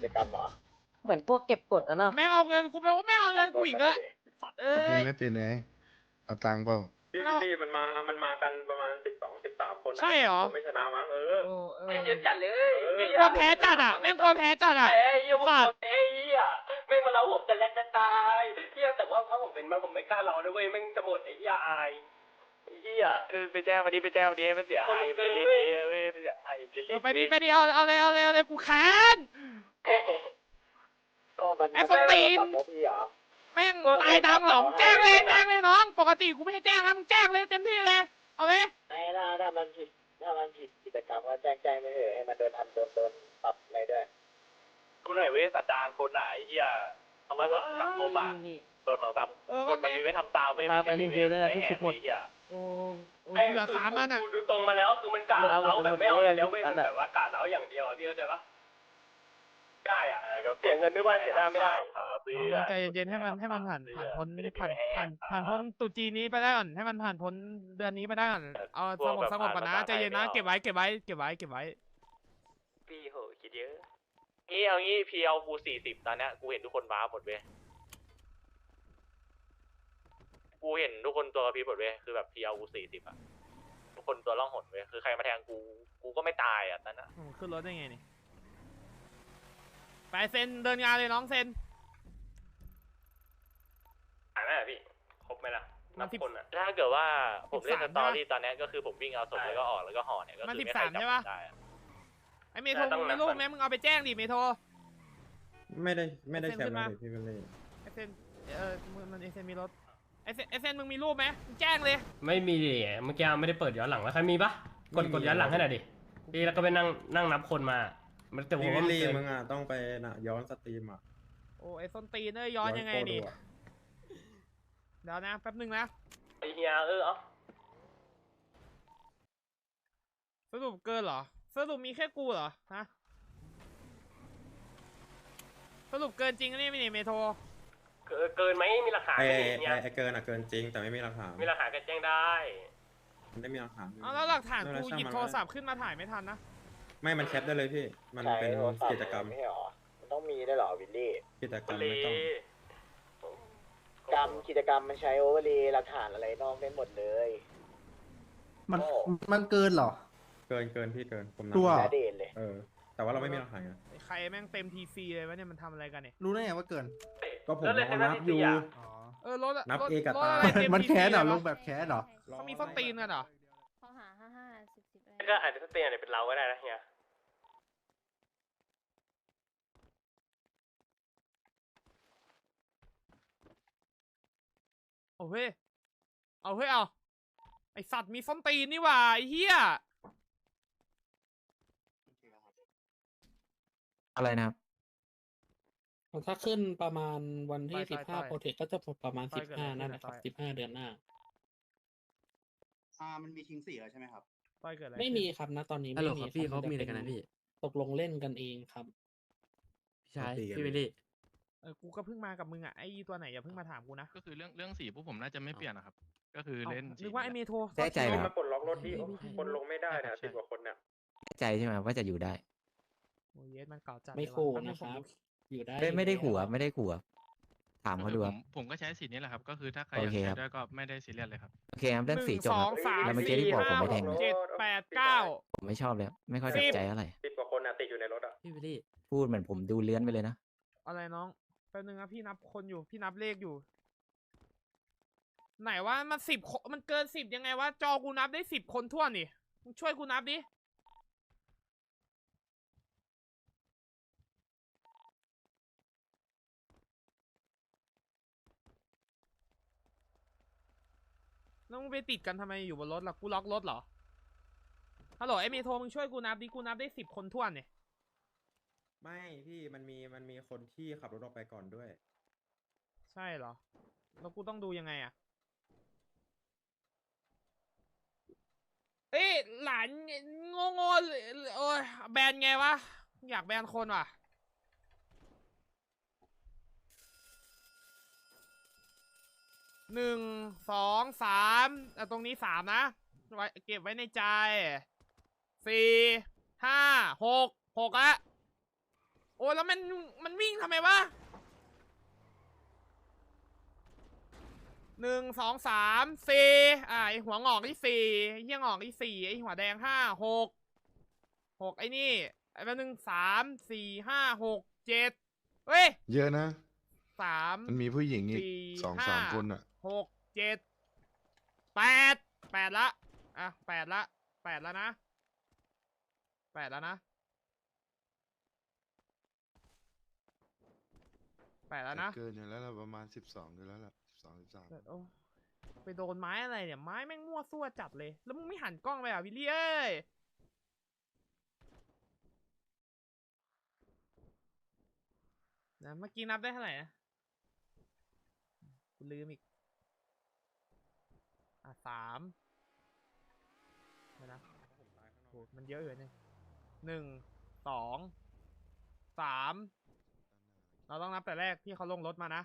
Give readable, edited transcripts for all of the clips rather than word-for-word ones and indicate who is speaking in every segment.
Speaker 1: จกรรมเหรอ
Speaker 2: เหมือนพวกเก็บกดอะเนาะ
Speaker 3: ไม่เอาเงินกูแปลว่าไม่เอาเงินกูอีกแล้วเอ้ย
Speaker 4: ไม่ติดไงเอาตังค์เปล่า
Speaker 1: พี่มันมากันประมาณ12-13 คน
Speaker 3: ใช่เหรอ
Speaker 1: ผมไม่ชนะมั้ง
Speaker 2: ไม่เยอะจัดเลย
Speaker 3: กลัวแพ้จัดอ่ะแม่งกลัวแพ้จัดอ่ะ
Speaker 1: ยังไม่หมดไม่มาเราผมจะแลกจะตายแต่ว่าถ้าผมเป็นมันผมไม่กล้าเราด้วยแม่งจะหมดไอ้อาย
Speaker 3: ไปแจ้งมาดิไปแจ้งมาดิมันเสียหายไปดิ ไปดิเอาเลยกูค้านไอ้สตีนแม่งตายดังเหรอแจ้งเลยน้องปกติกูไม่ให้แจ้งนะมึงแจ้งเลยเต็มที่เลยเอาเลย
Speaker 1: ถ้ามันผิดกิจกรรมก็แจ้งไม่เถอะให้มันโดนปรับอะไรด้วยคนไหนเว้ยสัตว์จานคนไหนเอามาสังคมอ่ะโดนของตามคนไหนไม่ทำตามไม่
Speaker 3: เหลือ3อันอ่ะ
Speaker 1: ดูตรงมาแล้วคือมันกาเราแบบไม่เอาแล้วไม่แบบว่ากาเราอย่างเดียวพี่เข้าใจปะได้อ่ะเสียเงินด้วยว่าเสียได้ไม่ได้
Speaker 3: ใจเย็นๆให้มันผ่านพ้นผ่านพ้นตุจีนี้ไปได้ก่อนให้มันผ่านพ้นเดือนนี้ไปได้ก่อนเอาสงบก่อนนะใจเย็นนะเก็บไว้
Speaker 1: พี่โหคิดเยอะเอางี้พี่เอากู40ตอนนี้กูเห็นทุกคนว้าหมดเว้ยกูเห็นทุกคนตัวพี่หมดเว้ยคือแบบพี่เอากู40อ่ะทุกคนตัวล่องหนเว้ยคือใครมาแทงกูก็ไม่ตายอ่ะนั่นอ่ะ
Speaker 3: ขึ้นรถได้ไงนี่ไปเซ็นเดินงานเลยน้องเซ็น
Speaker 1: ไหมพี่ครบไหมล่ะนับคนอ่ะถ้าเกิดว่าผมเล่นสตอรี่ตอนนี้ก็คือผมวิ่งเอาศพแล้วก็ออกแล้วก็ห่อเนี่ยก็คือไม่ใครจับได้
Speaker 3: ไอเมโทรมึงมีรูปไหมมึงเอาไปแจ้งดิเมโทร
Speaker 5: ไม่ได้แชร์มาเลยพี่ไม่เลย
Speaker 3: ไอเซนมันไอเซนมีรถไอเซนมึงมีรูปไหมแจ้งเลย
Speaker 6: ไม่มีดิเมื่อกี้ไม่ได้เปิดย้อนหลังแล้วใครมีปะกดย้อนหลังให้หน่อยดิพี่แล้วก็ไปนั่งนับคนมาแต่ผม
Speaker 5: พี่
Speaker 6: ว่า
Speaker 5: วิลลี่มึงอ่ะต้องไปย้อนสตรีมอ่ะ
Speaker 3: โอ้ไอส้นตีนย้อนยังไงดิเดี๋ยวนะแป๊บนึงนะ
Speaker 1: ไอเฮีย
Speaker 3: สรุปเกินเหรอสรุปมีแค่กูเหรอฮะสรุปเกินจริงนี่ไม่นี่เมโทร
Speaker 1: เกินไหมมีหลักฐาน
Speaker 5: ไอเกินอ่ะเกินจริงแต่ไม่มีหลักฐาน
Speaker 1: มีหลักฐานก็แจ้งได้
Speaker 5: มันได้มีหลักฐาน
Speaker 3: เอาแล้วหลักฐานกูหยิบโทรศัพท์ขึ้นมาถ่ายไม่ทันนะ
Speaker 5: ไม่มันแคปได้เลยพี่มันเป็นกิจกรรม
Speaker 1: ไม่หรอมันต้องมีได้หรอวิลลี่
Speaker 5: กิจกรรมไม่ต้อง
Speaker 1: กิจกรรมมันใช้โอเวอร์เลย์หลักฐานอะไรนอกได้หมดเลย
Speaker 7: มันเกินเหรอ
Speaker 5: เกินพี่เกินผม
Speaker 7: ตัว
Speaker 5: นับ
Speaker 1: เด่นเลย
Speaker 5: แต่ว่าเราไม่มีหลักฐานไง
Speaker 3: ใครแม่งเต็มทีซีเลยวะเนี่ยมันทำอะไรกันเนี่ย
Speaker 7: รู้ได้ไงว่าเกิน
Speaker 5: ก็ผมลองนับอยู่
Speaker 7: อ๋อ
Speaker 3: รถ
Speaker 5: นับเอกับตา
Speaker 3: อะไรเต็
Speaker 7: มัน
Speaker 3: TC
Speaker 7: แค้นเหรอ
Speaker 3: เล
Speaker 7: ล
Speaker 3: ยวะ
Speaker 7: งแบบแค้นเหรอ
Speaker 3: เขามีส้นตีนกันเหรอ
Speaker 8: ข้อหา55 10
Speaker 1: ก็อาจจะเตียนเป็นเราก็ได้นะเฮีย
Speaker 3: เอาเฮ้ยเอาไอสัตว์มีส้นตีนนี่หว่าไอเหี้ย
Speaker 9: อะไรนะครับ
Speaker 10: ถ้าขึ้นประมาณวันที่15โปรเทคก็จะประมาณ15นั่นแหละครับ15เดือนหน้า
Speaker 7: มันมีคิง4แล้วใช่ไหมครับ
Speaker 3: ต้อยเกิดอะไร
Speaker 10: ไม่มีครับนะตอนนี้
Speaker 9: ฮัลโหล
Speaker 10: ไม่
Speaker 9: ครับ
Speaker 10: มี
Speaker 9: พี่เขามีอะไรกันนะพี่
Speaker 10: ตกลงเล่นกันเองครับ
Speaker 9: พี่ชายพี่วิลลี่
Speaker 3: กูก็เพิ่งมากับมึงอ่ะไอตัวไหนอย่าเพิ่งมาถามกูนะ
Speaker 4: ก็คือเรื่องสีพวกผมน่าจะไม่เปลี่ยนนะครับก็คือเล่น
Speaker 3: นึกว่าไอเมโทร
Speaker 9: แน่ใจเหรอ
Speaker 1: มาปลดล็อกรถที่คนลงไม่ได้นะ10 กว่าคนเนี่ย
Speaker 9: แน่ใจใช่ไหมว่าจะอยู่ได้
Speaker 3: โอ้ยมันเก่าจัด
Speaker 10: ไม่ขู่นะครับอยู่ได้
Speaker 9: ไม่ได้ขู่ไม่ได้ขู่ถามเขาดูครับ
Speaker 4: ผมก็ใช้สีนี้แหละครับก็คือถ้าใคร
Speaker 9: โอ
Speaker 4: อยาก
Speaker 9: เค
Speaker 4: ใช้
Speaker 9: ครับ
Speaker 4: ด้วยก็ไม่ได้ซีเรียสเลยครับ
Speaker 9: โอเคครับเรื่องสีจบ
Speaker 3: 1
Speaker 9: ครับ
Speaker 3: 2 3
Speaker 9: แล้วเมื่อกี้ที่บอกผมไม่แทงนะ
Speaker 3: 7 8 9
Speaker 9: ผมไม่ชอบเลยไม่ค่อยสนใจอะไร
Speaker 1: 10 กว่าคนอ่ะติดอยู่ในรถอ่ะ
Speaker 9: พี่วิลลี่พูดเหมือนผมดูเลื้อนไปเลยนะ
Speaker 3: อะไรน้องแป๊บนึงนะพี่นับคนอยู่พี่นับเลขอยู่ ไหนว่ามัน10 มันเกิน10ยังไงวะจอกูนับได้10 คนทั่วนี่มึงช่วยกูนับดิแล้วมึงไปติดกันทำไมอยู่บนรถล่ะกูล็อกรถเหรอฮัลโหลไอเมโทรมึงช่วยกูนับดิกูนับได้10 คนทั่วนี่
Speaker 5: ไม่พี่มันมีคนที่ขับรถออกไปก่อนด้วย
Speaker 3: ใช่เหรอแล้วกูต้องดูยังไงอะเอ้ยหลานโง่โอ้ยแบนไงวะอยากแบนคนว่ะ1 2 3ตรงนี้3นะเก็บไว้ในใจ4 5 6 6ละโอ้แล้วมันวิ่งทำไมวะ1 2 3 4ไอหัวงอกที่4ไอเหี้ยงอกที่4ไอหัวแดง5 6ไอ้นี่ไอ้แป๊บนึง3 4 5 6 7เฮ้ย
Speaker 4: เยอะนะ
Speaker 3: 3
Speaker 4: มันมีผู้หญิงอีก
Speaker 3: 4 5
Speaker 4: คนอ่ะ
Speaker 3: 6 7 8ละอ่ะ8ละนะ8แล้วนะ
Speaker 4: เกินอยู่แล้วล่ะประมาณ12อยู่แล้วล่ะ12 13
Speaker 3: โอ้ไปโดนไม้อะไรเนี่ยไม้แม่งมั่วซั่วจัดเลยแล้วมึงไม่หันกล้องไปอ่ะวิลลี่เอ้ยนะเมื่อกี้นับได้เท่าไหร่นะกูลืมอีก3นะโหมันเยอะอยู่เนี่ย1 2 3เราต้องนับแต่แรกที่เขาลงรถมานะ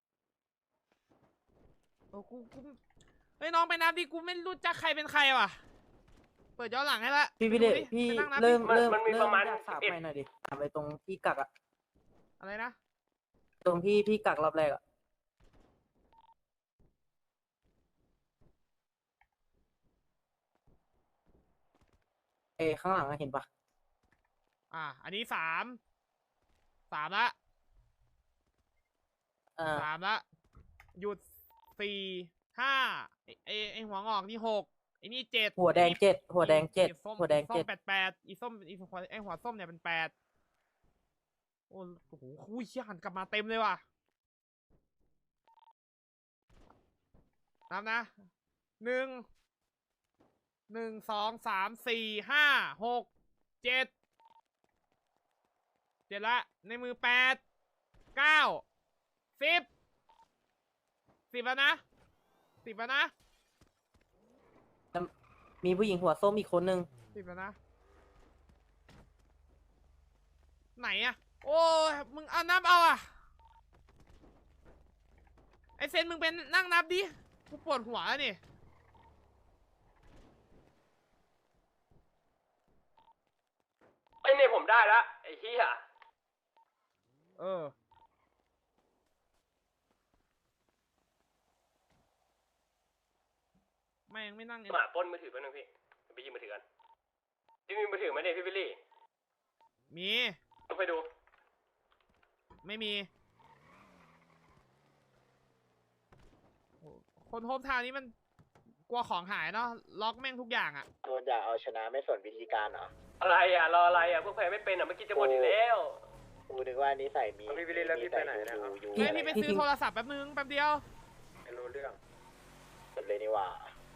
Speaker 3: โอ้กูเฮ้ยน้องไปนับดิกูไม่รู้จักใครเป็นใครว่ะเปิดย้อนหลังให้ละ
Speaker 2: พี่
Speaker 3: ไป
Speaker 2: เด
Speaker 3: ดู
Speaker 2: ช
Speaker 3: ดิ
Speaker 2: พี่
Speaker 3: ไปนั่งนับดิ
Speaker 2: เริ่ม
Speaker 6: มันมีประมาณ
Speaker 2: ถาม
Speaker 6: 11
Speaker 2: ไปหน่อยดิถามไปตรงที่กักอะ
Speaker 3: อะไรนะ
Speaker 2: ตรงที่พี่กักรอบแรกอะข้างหลังอะเห็นปะ
Speaker 3: อันนี้3ละหยุด4 5ไอหัวงอกนี่6ไอนี่7
Speaker 2: หัวแดง7หัวแดง7
Speaker 3: ส้ม
Speaker 2: หัวแดง
Speaker 3: ส้ม
Speaker 2: 7
Speaker 3: 8อีส้มไอหัวส้มเนี่ยเป็น8โอ้โหคุยเชี่ยหันกลับมาเต็มเลยว่ะนับนะ1 2 3 4 5 6 7ละในมือ8 9 10แล้วนะ10แล้วนะ
Speaker 2: มีผู้หญิงหัวส้มอีกคนนึง
Speaker 3: 10แล้วนะไหนอะโอ้ยมึงเอานับเอาอะไอเซนมึงเป็นนั่งนับดิกูปวดหัวแล้วนี่
Speaker 6: ไอ้เนี่ยผมได้ละไอ้เหี้ย
Speaker 3: แม่งไม่นั่ง
Speaker 6: หมาปล้นมือถือแป๊บนึงพี่ไปยิงมือถือกันพี่มีมือถือไหมเนี่ยพี่วิลลี่
Speaker 3: มี
Speaker 6: ต้องไปดู
Speaker 3: ไม่มีคนโฮมทาวน์นี้มันกลัวของหายเนาะล็อกแม่งทุกอย่างอะ
Speaker 1: โดนอยากเอาชนะไม่สนวิธีการเหรอ
Speaker 6: อะไรอ่ะรออะไรอ่ะพวกแพ้ไม่เป็นอ่ะเมื่อกี้จะหมดอยู่แล้ว
Speaker 1: กูนึกว่านิสัยมี
Speaker 5: พี่วิลลี่แล้วพี่ไปไหนนะครับ
Speaker 1: ยู
Speaker 3: เฮ้ยพี่ไปซื้อโทรศัพท์แป๊บนึงแป๊บเดียว
Speaker 5: ไม่รู้เรื่อง
Speaker 1: เลยนี่ว่า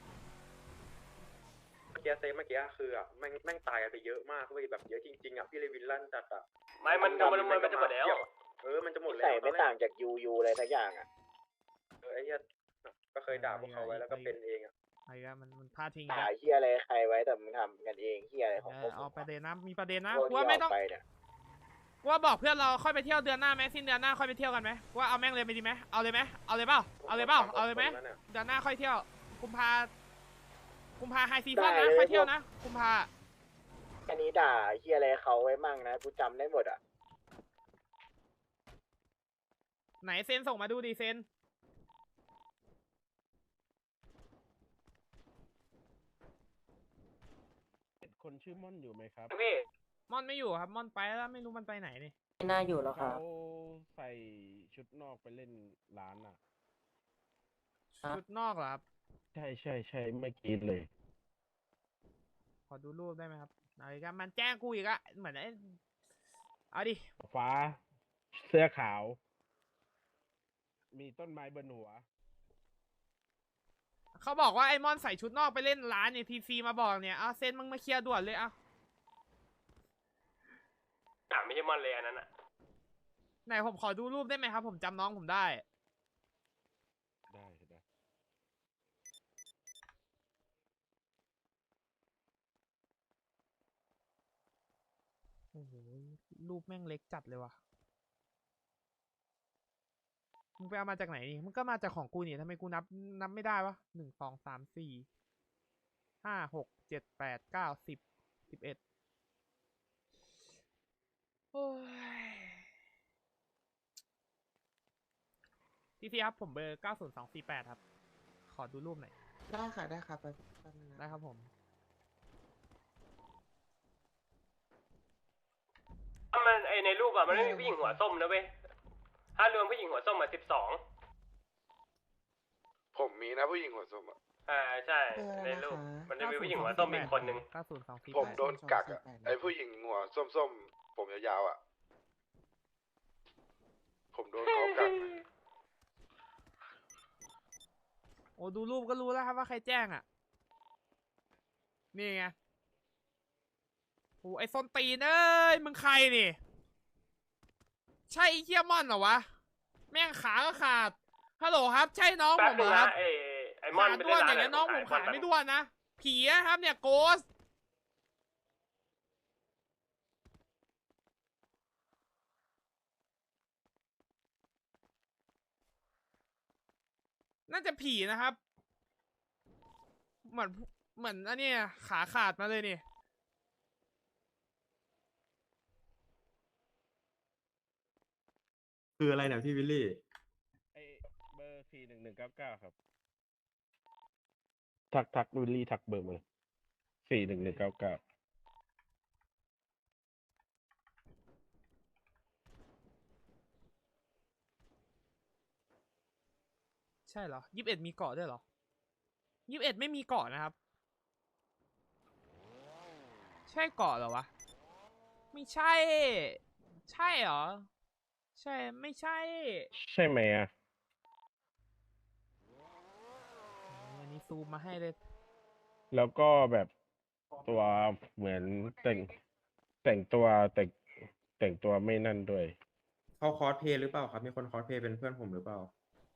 Speaker 5: เมื่อกี้คืออ่ะแม่งตายกันไปเยอะมากเว้ยแบบเยอะจริงๆอ่ะพี่เลยวินลั่นจัดอ่ะ
Speaker 6: ไม่มันจะหมดแล้ว
Speaker 5: มันจะหมด
Speaker 1: นิ
Speaker 5: แล้ว
Speaker 1: สัยไม่ต่างจากยูเลยสักอย่างอ่ะ
Speaker 5: ไอ้เหี้ยก็เคยด่าพวกเขาไว้แล้วก็เป็นเองอ่ะ
Speaker 3: ไอ้ก็มันพลาดทิ้ง
Speaker 1: ด่าเฮียอะไรใครไว้แต่มึงทำกันเองเฮียอะไรของพวก
Speaker 3: เอาประเด็นนะมีประเด็นนะ
Speaker 1: พวก
Speaker 3: กู
Speaker 1: ที่
Speaker 3: ว่าไม่
Speaker 1: อ
Speaker 3: ต้
Speaker 1: อ
Speaker 3: อง
Speaker 1: กไปเนี่ย
Speaker 3: กูว่าบอกเพื่อนเราค่อยไปเที่ยวเดือนหน้าไหมสิ้นเดือนหน้าค่อยไปเที่ยวกันไหมกูว่าเอาแม่งเลยไปดีไหมเอาเลยไหมเอาเลยเปล่าเอาเลยไหมเดือนหน้าค่อยเที่ยวกุมภาไฮซีซั่นนะค่อยเที่ยวนะกุมภา
Speaker 1: อันนี้ด่าเฮียอะไรเขาไว้มั่งนะกูจำได้หมดอ่ะ
Speaker 3: ไหนเซนส่งมาดูดิเซน
Speaker 10: คนชื่อม่อนอยู่ไหมครับ
Speaker 6: พี่
Speaker 3: ม่อนไม่อยู่ครับม่อนไปแล้วไม่รู้มันไปไหนนี่
Speaker 2: ไม่น่าอยู่แล้วค่ะ
Speaker 10: เขาใส่ชุดนอกไปเล่นร้านอ่ะ
Speaker 3: ชุดนอกเหรอครับ
Speaker 10: ใช่เมื่อกี้เลย
Speaker 3: ขอดูรูปได้ไหมครับเอาอีกครับมันแจ้งกูอีกอะเหมือนไอ้เอาดิ
Speaker 10: ฟ้าเสื้อขาว มีต้นไม้บนหัว
Speaker 3: เขาบอกว่าไอ้มอนใส่ชุดนอกไปเล่นร้านเนี่ยทีซีมาบอกเนี่ยเอาเซนมึงมาเคลียร์ด่วนเลยเอา
Speaker 6: ไม่ใช่มอนเลยอันนั้นอ่ะ
Speaker 3: ไหนผมขอดูรูปได้ไหมครับผมจำน้องผมได้
Speaker 10: ได้
Speaker 3: โอ้โหรูปแม่งเล็กจัดเลยว่ะมึงไปเอามาจากไหนนี่มึงก็มาจากของกูนี่ทำไมกูนับไม่ได้วะ1 2 3 4 5 6 7 8 9 10 11โอ้ยทีซีครับผมเบอร์90248ครับขอดูรูปหน่อย
Speaker 5: ได้ค่ะได้ครับ
Speaker 3: ได้ครับผม
Speaker 6: มันในรูปอะมันไม่มีผู้หญิงหัวส้มนะเว้ยถ้ารวมผู้หญิงหัวส้มมา12
Speaker 4: ผมมีนะผู้หญิงหัวส้มอ่ะ
Speaker 6: ใช่ในรูปมันจะมีผู้หญิงหัวส้มอีกคนนึง
Speaker 3: 90248
Speaker 4: ผมโดนกักอ่ะไอผู้หญิงหัวส้มๆผมยาวๆอ่ะ ผมโดนเขากัก
Speaker 3: โอ้ดูรูปก็รู้แล้วครับว่าใครแจ้งอ่ะ นี่ไงโอ้ไอ้ส้นตีนเอ้ยมึงใครนี่ ใช่ไอ้เฮียมอนเหรอวะ แม่งขาก็ขาด ฮัลโหลครับ ใช่น้องผมเหรอครับ
Speaker 6: ไอ้มอน
Speaker 3: ขา
Speaker 6: ไป
Speaker 3: ด้วน
Speaker 6: เล่น
Speaker 3: อย่าง
Speaker 6: ร้าน
Speaker 3: เงี้ยน้องผมขาไม่ด้วนนะ ผีนะครับเนี่ยโกส น่าจะผีนะครับ เหมือนอันนี้ขาขาดมาเลยนี่
Speaker 5: คืออะไรเนี่ยพี่วิลลี่
Speaker 1: ไอเบอร์41199ครับทักวิลลี่ทักเบอร์มา41199
Speaker 3: ใช่เหรอ21มีเกาะด้วยเหรอ21ไม่มีเกาะนะครับ ใช่เกาะเหรอวะ ไม่ใช่ ใช่เหรอ ใช่ ไม่ใช่
Speaker 1: ใช่ไหมอ่ะ
Speaker 3: อันนี้ซูมมาให้เลย
Speaker 1: แล้วก็แบบตัวเหมือนแต่งตัวไม่นั่นด้วย
Speaker 5: เขาคอสเพลย์หรือเปล่าครับ มีคนคอสเพลย์เป็นเพื่อนผมหรือเปล่า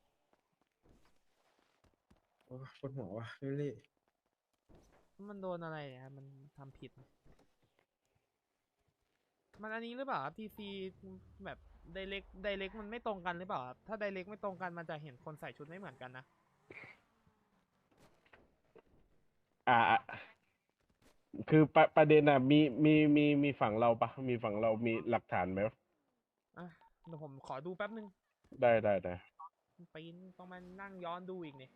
Speaker 5: โอ้ปวดหัวว่ะพี่วิลลี่
Speaker 3: มันโดนอะไรเนี่ยครับมันทำผิด มันอันนี้หรือเปล่าครับทีซีแบบไดเรกมันไม่ตรงกันหรือเปล่าครับถ้าไดเรกไม่ตรงกันมันจะเห็นคนใส่ชุดไม่เหมือนกันนะ
Speaker 1: คือประเด็นอ่ะมีฝั่งเราปะมีฝั่งเรามีหลักฐานไหม
Speaker 3: อ่ะเดี๋ยวผมขอดูแป๊บนึง
Speaker 1: ได้
Speaker 3: ปีนต้องมานั่งย้อนดูอีกนี่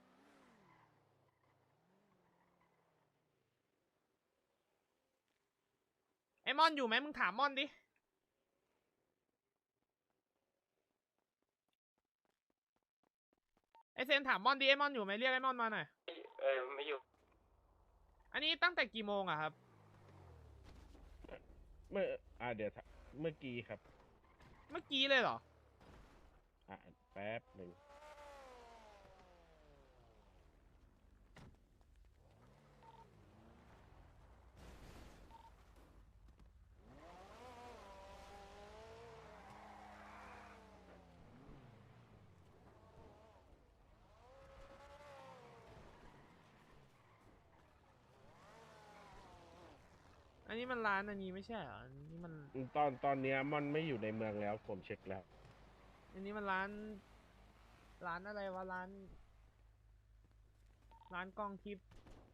Speaker 3: ไอมอนอยู่ไหมมึงถามมอนดิไอเซนถามมอนดิไอมอนอยู่ไหมเรียกไอมอนมาหน่อย
Speaker 6: ไม่อยู่
Speaker 3: อันนี้ตั้งแต่กี่โมงอะครับ
Speaker 1: เมื่อเดี๋ยวเมื่อกี้ครับ
Speaker 3: เมื่อกี้เลยเหรอ
Speaker 1: แป๊บหนึ่ง
Speaker 3: อันนี้มันร้านอันนี้ไม่ใช่เหรออันนี้มัน
Speaker 1: ตอนเนี้ยมันไม่อยู่ในเมืองแล้วผมเช็คแล้ว
Speaker 3: อันนี้มันร้านอะไรวะร้านกล้องทิพย์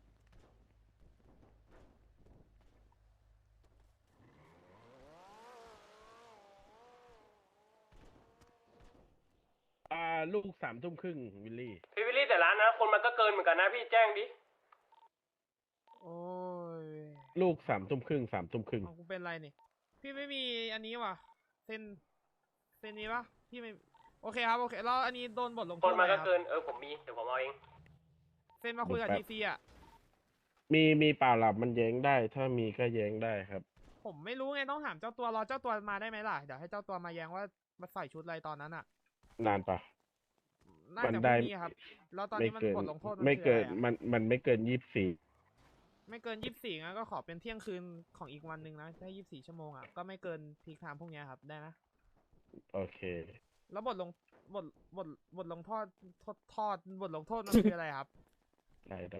Speaker 1: ลูก3 ทุ่มครึ่งวิลลี่
Speaker 6: พี่วิลลี่แต่ร้านนะคนมันก็เกินเหมือนกันนะพี่แจ้งดิ
Speaker 3: โอ้ย
Speaker 1: ลูก3 ทุ่มครึ่ง
Speaker 3: ของกูเป็นไรนี่พี่ไม่มีอันนี้ว่ะเซ็นนี้ปะพี่ไม่โอเคครับโอเคแล้วอันนี้โดนบทลงโท
Speaker 6: ค
Speaker 3: ษ
Speaker 6: น
Speaker 3: อะไร
Speaker 6: มันก็
Speaker 3: ครับ
Speaker 6: เกินผมมีเดี๋ยวผมเอาเอง
Speaker 3: เซ็นมาคุยกับทีซีอ่ะ
Speaker 1: มีเปล่าหลับมันแย้งได้ ถ้ามีก็แย้งได้ครับ
Speaker 3: ผมไม่รู้ไงต้องถามเจ้าตัวรอเจ้าตัวมาได้ไหมล่ะเดี๋ยวให้เจ้าตัวมาแย้งว่ามาใส่ชุดอะไรตอนนั้นอ่ะ
Speaker 1: นานปะ
Speaker 3: น่าจะพรุ่งนี้ครับแล้วตอนนี้มันบทลงโทษ
Speaker 1: ไม่
Speaker 3: คือ
Speaker 1: เกิ
Speaker 3: อะ
Speaker 1: น
Speaker 3: ไรอะ
Speaker 1: มันไม่เกิน24
Speaker 3: ไม่เกิน24งั้นก็ขอเป็นเที่ยงคืนของอีกวันหนึ่งนะถ้า24 ชั่วโมงอ่ะก็ไม่เกินพีคไทม์พวกเนี้ยครับได้นะ
Speaker 1: โอเค
Speaker 3: แล้วบทลงโทษบทลงโทษมันคืออะไรครับ
Speaker 1: ได้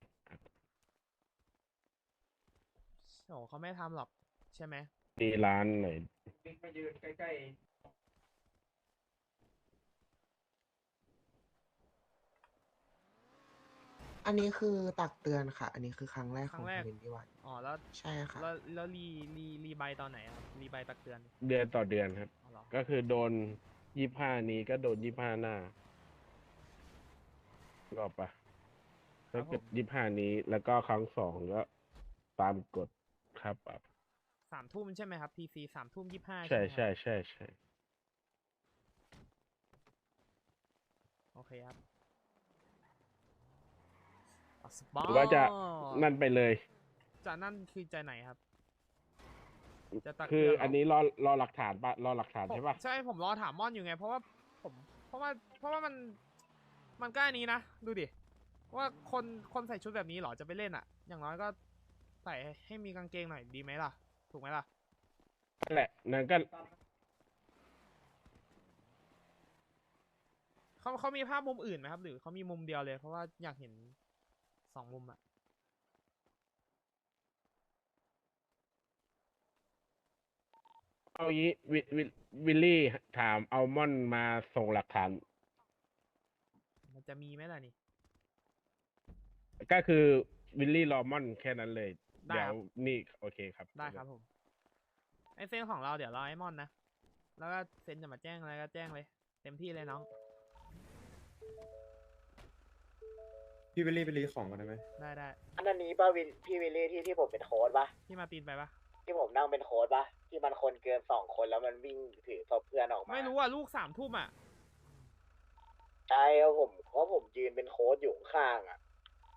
Speaker 3: โอ้เขาไม่ทำหรอกใช่ไหม
Speaker 1: มีร้านไหน
Speaker 5: มายืนใกล้ๆ
Speaker 11: อันนี้คือตักเตือนค่ะ อันนี้คือครั้งแรก
Speaker 3: ค
Speaker 11: ข
Speaker 3: รั้
Speaker 11: อง
Speaker 3: งแรก
Speaker 11: เรนที่วัน
Speaker 3: อ๋อแล้ว
Speaker 11: ใช่ค่ะ
Speaker 3: แล้วรีใบตอนไหนครับรีใบตักเตือน
Speaker 1: เดือนต่อเดือนครับ
Speaker 3: อ๋อเหรอ
Speaker 1: ก็คือโดน25นี้ก็โดน25หน้ารอบปะถ้าเกิด25นี้แล้วก็ครั้ง2ก็ตามกฎครับปรับ
Speaker 3: 3 ทุ่มใช่ไหมครับ PC 3 ทุ่ม 25
Speaker 1: ใช่
Speaker 3: ไหมครับ
Speaker 1: ใช่
Speaker 3: โอเคครับ
Speaker 1: หรือว่าจะนั่นไปเลย
Speaker 3: จะนั่นคือใจไหนครับ จะตัก
Speaker 1: คือ
Speaker 3: เตืเหร
Speaker 1: อันนี้รอหลักฐานปะรอหลักฐานใช่ปะ
Speaker 3: ใช่ผมรอถามม่อนอยู่ไง เพราะว่ามันก็อันนี้นะ ดูดิ ว่าคนใส่ชุดแบบนี้เหรอจะไปเล่นอ่ะ อย่างน้อยก็ใส่ให้มีกางเกงหน่อยดีไหมล่ะ ถูกไหมล่ะ
Speaker 1: นั่นแหละนั่นก็
Speaker 3: เขามีภาพมุมอื่นไหมครับ หรือเขามีมุมเดียวเลย เพราะว่าอยากเห็น2 มุมอ่ะ
Speaker 1: เอางี้วิลลี่ถามอัลมอนด์มาส่งหลักฐาน
Speaker 3: มันจะมีไหมล่ะนี่
Speaker 1: ก็คือวิลลี่รอมอนแค่นั้นเลย
Speaker 3: ได้
Speaker 1: เดี๋ย
Speaker 3: คว รับ
Speaker 1: นี่โอเคครับ
Speaker 3: ได้ครับผม ไอเซ็นของเราเดี๋ยวรอไอมอนนะ แล้วก็เซ็นจะมาแจ้งอะไรก็แจ้งเลย เต็มที่เลยน้อง
Speaker 5: พี่ไปรีของกันได้ไหม
Speaker 3: ได้
Speaker 2: อันนี้ป้าวินพี่วิลลี่ที่ผมเป็นโค้ดปะ
Speaker 3: พี่มาตีนไปปะ
Speaker 2: ที่ผมนั่งเป็นโค้ดปะที่มันคนเกิน2 คนแล้วมันวิ่งถือศพเพื่อนออกมา
Speaker 3: ไม่รู้อ่ะ ลูก3 ทุ่มอ่ะ
Speaker 2: ใช่ครับผมยืนเป็นโค้ดอยู่ข้างอ่ะ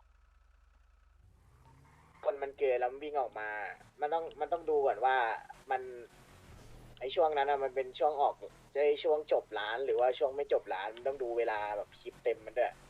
Speaker 2: คนมันเกินแล้วมันวิ่งออกมา มันต้องดูก่อนว่ามันไอช่วงนั้นอะมันเป็นช่วงออกจะช่วงจบร้านหรือว่าช่วงไม่จบร้านมันต้องดูเวลาแบบคลิปเต็มมันด้วย